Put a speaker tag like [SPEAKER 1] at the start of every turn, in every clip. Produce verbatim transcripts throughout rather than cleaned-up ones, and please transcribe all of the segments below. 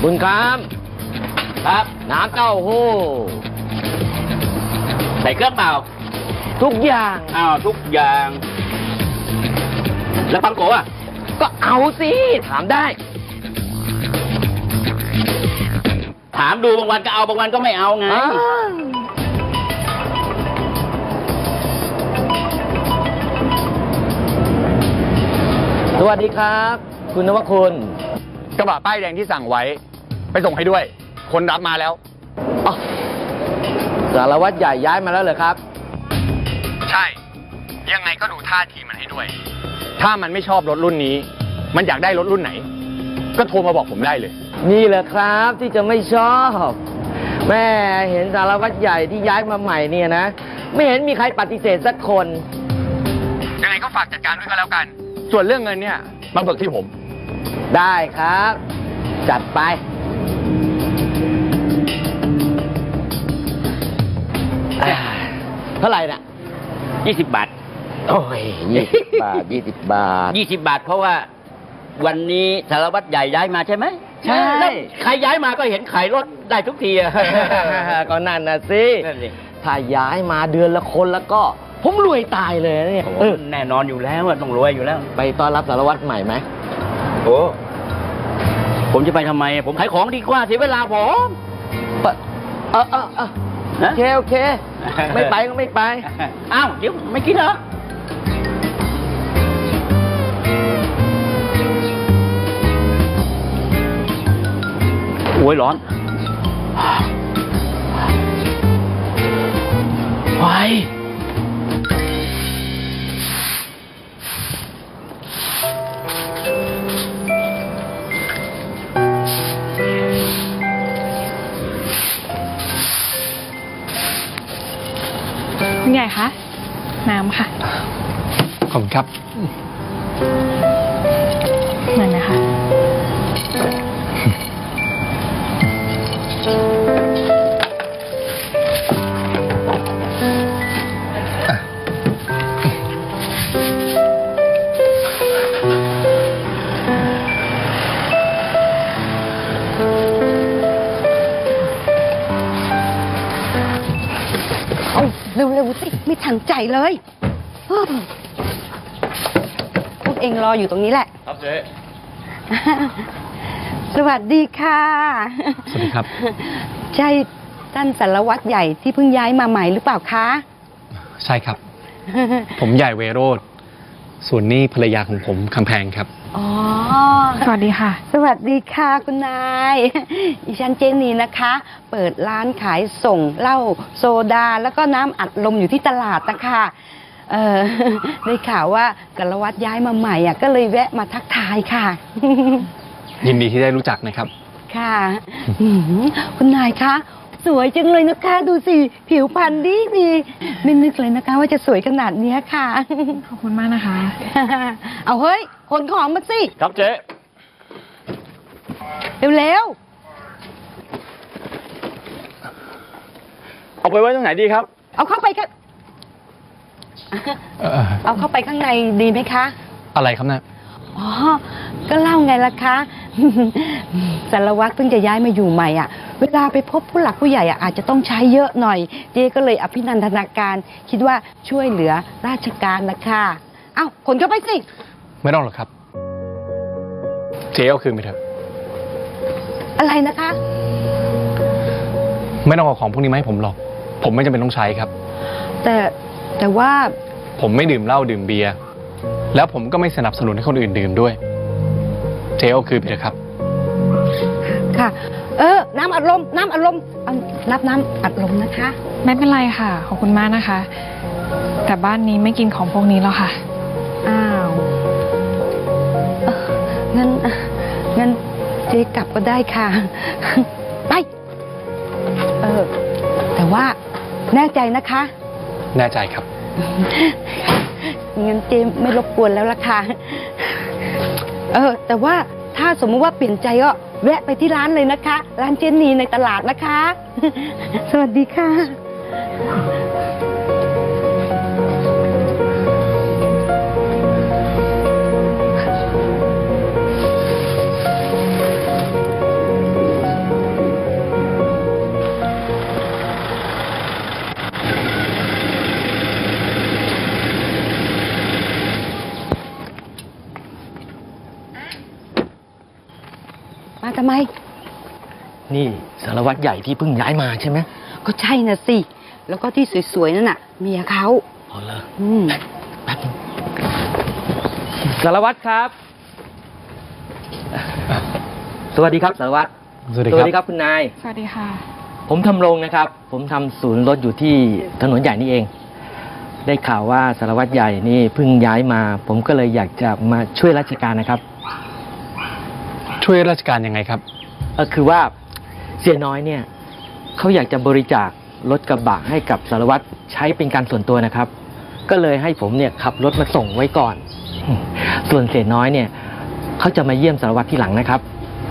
[SPEAKER 1] บุญครับครับน้ำเต้าหู้ใส่เครื่องเปล่าทุกอย่างอ้าวทุกอย่างแล้วปังโกะอ่ะก็เอาสิถามได้ถามดูบางวันก็เอาบางวันก็ไม่เอาไงสวัสดีครับคุณนวคุณ
[SPEAKER 2] กระบะป้ายแดงที่สั่งไว้ไปส่งให้ด้วยคนรับมาแล้ว
[SPEAKER 1] อ๋อสารวัตรใหญ่ย้ายมาแล้วเหรอครับ
[SPEAKER 2] ใช่ยังไงก็ดูท่าทีมันให้ด้วยถ้ามันไม่ชอบรถรุ่นนี้มันอยากได้รถรุ่นไหนก็โทรมาบอกผมได้เลย
[SPEAKER 1] นี่แหละครับที่จะไม่ชอบแม่เห็นสารวัตรใหญ่ที่ย้ายมาใหม่เนี่ยนะไม่เห็นมีใครปฏิเสธสักคน
[SPEAKER 2] ยังไงก็ฝากจัดการด้วยก็แล้วกันส่วนเรื่องเงินเนี่ยมาเบิกที่ผม
[SPEAKER 1] ได้ครับจัดไปเท่าไหร่น่ะยี่สิบบาทโอ้ยยี่สิบบาทยี่สิบบาทยี่สิบบาทเพราะว่าวันนี้สารวัตรใหญ่ย้ายมาใช่ไหมใช่ใครย้ายมาก็เห็นขายรถได้ทุกทีก็นั่นน่ะสิถ้าย้ายมาเดือนละคนแล้วก็ผมรวยตายเลยเนี่ยแน่นอนอยู่แล้วต้องรวยอยู่แล้วไปต้อนรับสารวัตรใหม่ไหมโอ้ผมจะไปทำไมผมขายของดีกว่าเสียเวลาผมเออเออเออโอเคโอเคไม่ไปก็ไม่ไปอ้าวเดี๋ยวไม่กินเหรอโอ้ยร้อนไฟ
[SPEAKER 3] คุณใหญ่คะน้ำค่ะ
[SPEAKER 2] ขอบคุณครับ
[SPEAKER 3] หน่อยนะคะ
[SPEAKER 4] เร็วๆสิไม่ทันใจเลยพวกเองรออยู่ตรงนี้แหละ
[SPEAKER 2] ครับเจ๊
[SPEAKER 4] สวัสดีค่ะ
[SPEAKER 2] สวัสดีครับ
[SPEAKER 4] ใช่ท่านสารวัตรใหญ่ที่เพิ่งย้ายมาใหม่หรือเปล่าคะ
[SPEAKER 2] ใช่ครับผมใหญ่เวโรธส่วนนี้ภรรยาของผมคำแพงครับ
[SPEAKER 4] อ๋อ
[SPEAKER 3] สวัสดีค่ะ
[SPEAKER 4] สวัสดีค่ะคุณนายดิฉันเจนีนะคะ เปิดร้านขายส่งเหล้าโซดาแล้วก็น้ำอัดลมอยู่ที่ตลาดนะคะเออได้ข่าวว่าสารวัตรย้ายมาใหม่อ่ะก็เลยแวะมาทักทายค่ะ
[SPEAKER 2] ยินดีที่ได้รู้จักนะครับ
[SPEAKER 4] ค่ะคุณนายคะสวยจังเลยนะคะดูสิผิวพรรณดีดีไม่นึกเลยนะคะว่าจะสวยขนาดนี้ค่ะ
[SPEAKER 3] ขอบคุณมากนะคะ
[SPEAKER 4] เอาเฮ้ยขนของมาสิ
[SPEAKER 2] ครับเจ๊
[SPEAKER 4] เร็ว
[SPEAKER 2] ๆเอาไปไว้ตรงไหนดีครับ
[SPEAKER 4] เอาเข้าไปค่ะเอาเข้าไปข้างในดีไหมคะ
[SPEAKER 2] อะไรครับเนี่ย
[SPEAKER 4] อ๋อก็เล่าไงล่ะคะสารวัตรเพิ่งจะย้ายมาอยู่ใหม่อ่ะเวลาไปพบผู้หลักผู้ใหญ่อ่ะอาจจะต้องใช้เยอะหน่อยเจ๊ก็เลยอภินันทนาการคิดว่าช่วยเหลือราชการนะคะเอ้าขนเข้าไปสิ
[SPEAKER 2] ไม่ต้องหรอกครับเจ๊เอาคืนไปเถอะ
[SPEAKER 4] อะไรนะคะ
[SPEAKER 2] ไม่ต้องเอาของพวกนี้มาให้ผมหรอกผมไม่จำเป็นต้องใช้ครับ
[SPEAKER 4] แต่แต่ว่า
[SPEAKER 2] ผมไม่ดื่มเหล้าดื่มเบียร์แล้วผมก็ไม่สนับสนุนให้คนอื่นดื่มด้วยเจ๊เอาคืนไปเถอะครับ
[SPEAKER 4] ค่ะเออน้ำอัดลมน้ำอัดลมรับน้ำอัดลมนะคะ
[SPEAKER 3] ไม่เป็นไรค่ะขอบคุณมากนะคะแต่บ้านนี้ไม่กินของพวกนี้แล้วค่ะ
[SPEAKER 4] อ้าวงั้นงั้นเจ๊กลับก็ได้ค่ะไปเออแต่ว่าแน่ใจนะคะ
[SPEAKER 2] แน่ใจครับ
[SPEAKER 4] งั้นเจ๊ไม่รบกวนแล้วล่ะค่ะเออแต่ว่าถ้าสมมติว่าเปลี่ยนใจก็แวะไปที่ร้านเลยนะคะร้านเจนนีในตลาดนะคะสวัสดีค่ะ
[SPEAKER 2] เ
[SPEAKER 4] มาทำไม
[SPEAKER 5] นี่สารวัตรใหญ่ที่เพิ่งย้ายมาใช่ไหม
[SPEAKER 4] ก็ใช่น่ะสิ แล้วก็ที่สวยๆนั่นน่ะเมียเขา
[SPEAKER 5] อ๋อเหรอ
[SPEAKER 4] อืม
[SPEAKER 5] แป๊บนึงสารวัตรครับ สวัสดีครับสารวัตร
[SPEAKER 2] สวัสดีครับ
[SPEAKER 5] ครับคุณนาย
[SPEAKER 3] สวัสดีค่ะ
[SPEAKER 5] ผมทำรงนะครับ ผมทำศูนย์รถอยู่ที่ถนนใหญ่นี่เอง ได้ข่าวว่าสารวัตรใหญ่นี่เพิ่งย้ายมา ผมก็เลยอยากจะมาช่วยราชการนะครับ
[SPEAKER 2] ช่วยราชการยังไงครับ
[SPEAKER 5] เออคือว่าเสียน้อยเนี่ยเขาอยากจะบริจาครถกระบะให้กับสารวัตรใช้เป็นการส่วนตัวนะครับ ก็เลยให้ผมเนี่ยขับรถมาส่งไว้ก่อน ส่วนเสียน้อยเนี่ยเขาจะมาเยี่ยมสารวัตรที่หลังนะครับ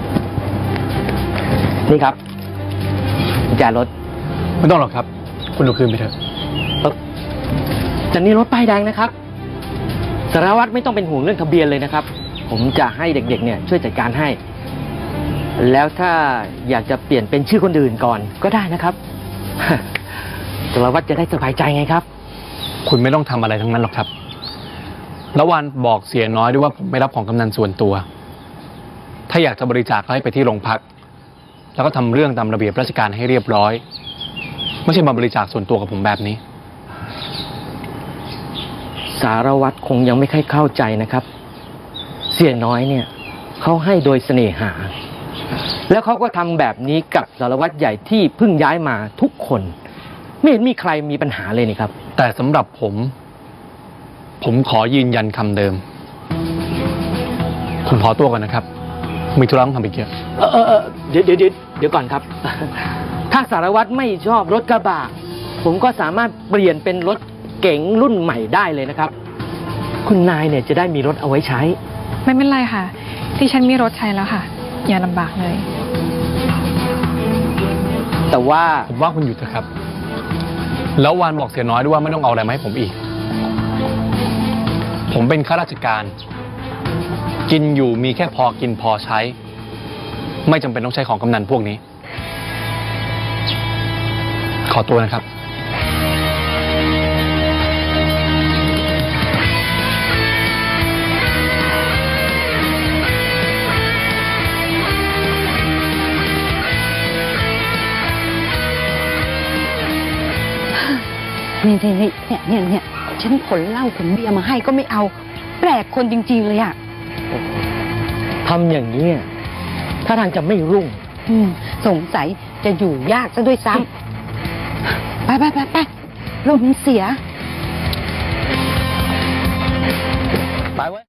[SPEAKER 5] นี่ครับกุญแจรถ
[SPEAKER 2] ไม่ต้องหรอกครับ คุณดูคืนไปเถอะ
[SPEAKER 5] เอ่อแต่นี่รถป้ายแดงนะครับ สารวัตรไม่ต้องเป็นห่วงเรื่องทะเบียนเลยนะครับ ผมจะให้เด็กๆเนี่ยช่วยจัดการให้ แล้วถ้าอยากจะเปลี่ยนเป็นชื่อคนอื่นก่อนก็ได้นะครับ สารวัตรจะได้สบายใจไงครับ
[SPEAKER 2] คุณไม่ต้องทำอะไรทั้งนั้นหรอกครับ แล้ววันบอกเสียน้อยด้วยว่าผมไม่รับของกำนันส่วนตัว ถ้าอยากจะบริจาคก็ให้ไปที่โรงพัก แล้วก็ทำเรื่องตามระเบียบราชการให้เรียบร้อย ไม่ใช่มาบริจาคส่วนตัวกับผมแบบนี้
[SPEAKER 5] สารวัตรคงยังไม่ค่อยเข้าใจนะครับ เสียน้อยเนี่ยเขาให้โดยเสน่หา แล้วเขาก็ทำแบบนี้กับสารวัตรใหญ่ที่เพิ่งย้ายมาทุกคน ไม่เห็นมีใครมีปัญหาเลยนี่ครับ
[SPEAKER 2] แต่สำหรับผม ผมขอยืนยันคำเดิม ผมขอตัวก่อนนะครับ มีธุระต้องทำอีกเยอะ
[SPEAKER 5] เออเออเออเดี๋ยวเดี๋ยวเดี๋ยวเดี๋ยวก่อนครับ ถ้าสารวัตรไม่ชอบรถกระบะผมก็สามารถเปลี่ยนเป็นรถเก๋งรุ่นใหม่ได้เลยนะครับ คุณนายเนี่ยจะได้มีรถเอาไว้ใช้
[SPEAKER 3] ไม่เป็นไรค่ะ ที่ฉันมีรถใช้แล้วค่ะ อย่าลำบากเลย
[SPEAKER 5] แต่ว่า
[SPEAKER 2] ผมว่าคุณหยุดเถอะครับ แล้ววันบอกเสียน้อยด้วยว่าไม่ต้องเอาอะไรมาให้ผมอีก ผมเป็นข้าราชการ กินอยู่มีแค่พอกินพอใช้ ไม่จำเป็นต้องใช้ของกำนันพวกนี้ ขอตัวนะครับ
[SPEAKER 4] นี่นี่นี่เนี่ยเนี่ยเนี่ยฉันขนเหล้าขนเบียร์มาให้ก็ไม่เอา แปลกคนจริงๆเลยอ่ะ
[SPEAKER 5] ทำอย่างนี้ยถ้าทางจะไม่รุ่ง
[SPEAKER 4] อืมสงสัยจะอยู่ยากซะด้วยซ้ำ ไปไปไปไปลมเสีย